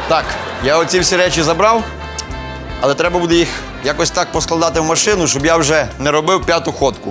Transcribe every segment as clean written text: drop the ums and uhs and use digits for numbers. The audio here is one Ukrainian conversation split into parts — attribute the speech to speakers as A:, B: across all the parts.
A: Так, я оці всі речі забрав, але треба буде їх якось так поскладати в машину, щоб я вже не робив п'яту ходку.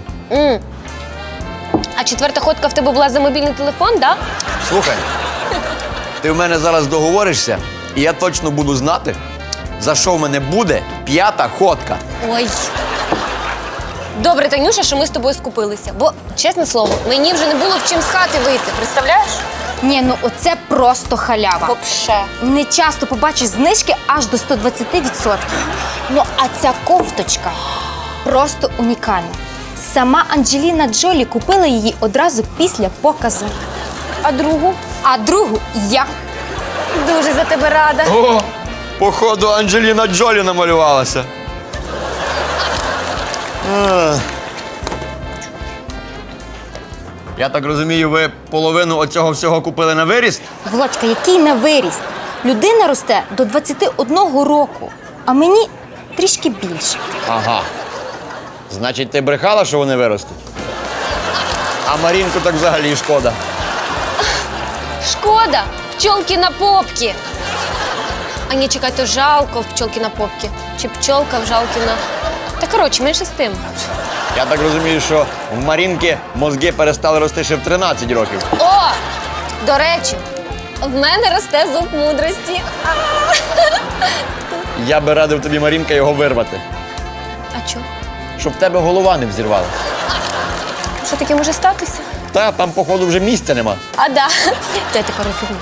B: А четверта ходка в тебе була за мобільний телефон, да?
A: Слухай, ти в мене зараз договоришся, і я точно буду знати, за що в мене буде п'ята ходка.
B: Ой. Добре, Танюша, що ми з тобою скупилися. Бо, чесне слово, мені вже не було в чим з хати вийти, представляєш?
C: Ні, ну оце просто халява.
B: Вообще.
C: Не часто побачиш знижки аж до 120%. Ну, а ця кофточка просто унікальна. Сама Анджеліна Джолі купила її одразу після показу.
B: А другу?
C: А другу я.
B: Дуже за тебе рада.
A: О, походу, Анджеліна Джолі намалювалася. Я так розумію, ви половину оцього всього купили на виріст?
C: Володька, який на виріст? Людина росте до 21 року, а мені трішки більше.
A: Ага. Значить, ти брехала, що вони виростуть? А Марінку так взагалі шкода.
B: Шкода, пчолки на попки. А ні, чекай, то жалко в пчолки на попки. Чи пчолка в жалки на... Та коротше, менше з тим.
A: Я так розумію, що в Марінки мозги перестали рости ще в 13 років.
B: О! До речі, в мене росте зуб мудрості.
A: Я би радив тобі, Марінка, його вирвати.
B: А чо?
A: Щоб в тебе голова не взірвалася.
B: Що таке може статися?
A: Та, там, походу, вже місця нема.
B: А, да. То я тепер розумію.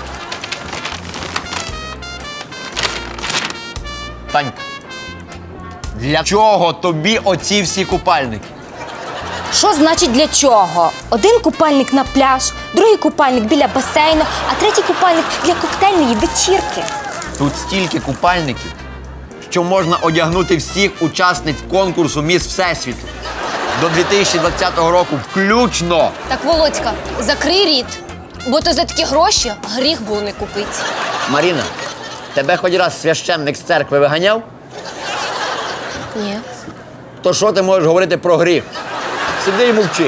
A: Танька, для чого тобі оці всі купальники?
C: Що значить для чого? Один купальник на пляж, другий купальник біля басейну, а третій купальник для коктейльної вечірки.
A: Тут стільки купальників, що можна одягнути всіх учасниць конкурсу «Міс Всесвіту» до 2020 року включно.
B: Так, Володька, закрий рід, бо то за такі гроші гріх було не купити.
A: Маріна, тебе хоч раз священник з церкви виганяв?
B: Ні.
A: То що ти можеш говорити про гріх? Сиди і мовчи.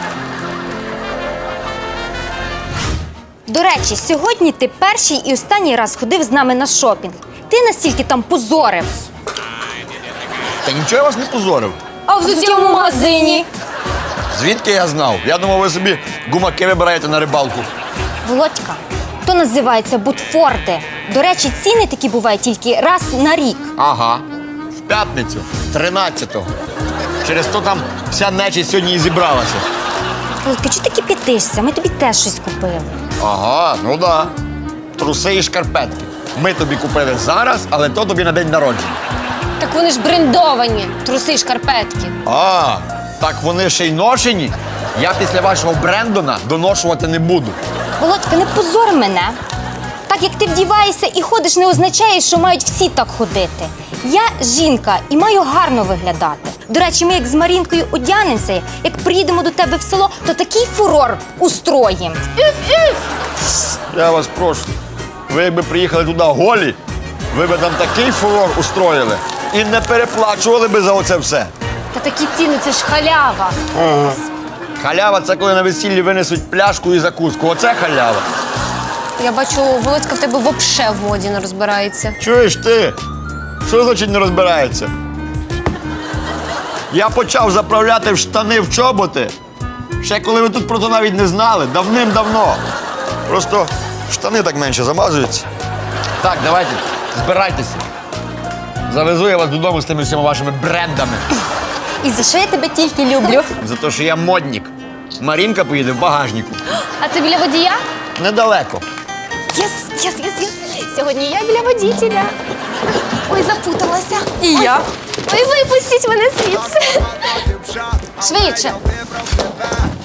C: До речі, сьогодні ти перший і останній раз ходив з нами на шопінг. Ти настільки там позорив.
A: Та нічого я вас не позорив.
C: А взуття в магазині?
A: Звідки я знав? Я думав, ви собі гумаки вибираєте на рибалку.
C: Володька, то називається бутфорти. До речі, ціни такі бувають тільки раз на рік.
A: Ага. В п'ятницю, 13-го. Через то там вся нечість сьогодні і зібралася.
C: Володька, чого ти кипятишся? Ми тобі теж щось купили.
A: Ага, ну да. Труси і шкарпетки. Ми тобі купили зараз, але то тобі на день народження.
B: Так вони ж брендовані, труси, шкарпетки.
A: А, так вони ще й ношені. Я після вашого Брендона доношувати не буду.
C: Володька, не позор мене. Так як ти вдіваєшся і ходиш, не означає, що мають всі так ходити. Я жінка і маю гарно виглядати. До речі, ми як з Марінкою одягнемося, як приїдемо до тебе в село, то такий фурор устроїм.
A: Я вас прошу. Ви якби приїхали туди голі, ви б там такий фурор устроїли і не переплачували би за оце все.
B: Та такі ціни, це ж халява.
A: Халява – це коли на весіллі винесуть пляшку і закуску. Оце халява.
B: Я бачу, Володька в тебе вообще в моді не розбирається.
A: Чуєш ти? Що значить не розбирається? Я почав заправляти в штани в чоботи. Ще коли ви тут про то навіть не знали, давним-давно. Просто штани так менше замазуються. Так, давайте, збирайтеся. Завезу я вас додому з тими всіма вашими брендами.
C: І за що я тебе тільки люблю?
A: За те, що я модник. Марінка поїде в багажнику.
B: А це біля водія?
A: Недалеко.
B: Єс. Сьогодні я біля водителя. Ой, запуталася.
C: І я.
B: Ой, випустіть мене звідси. Швидше.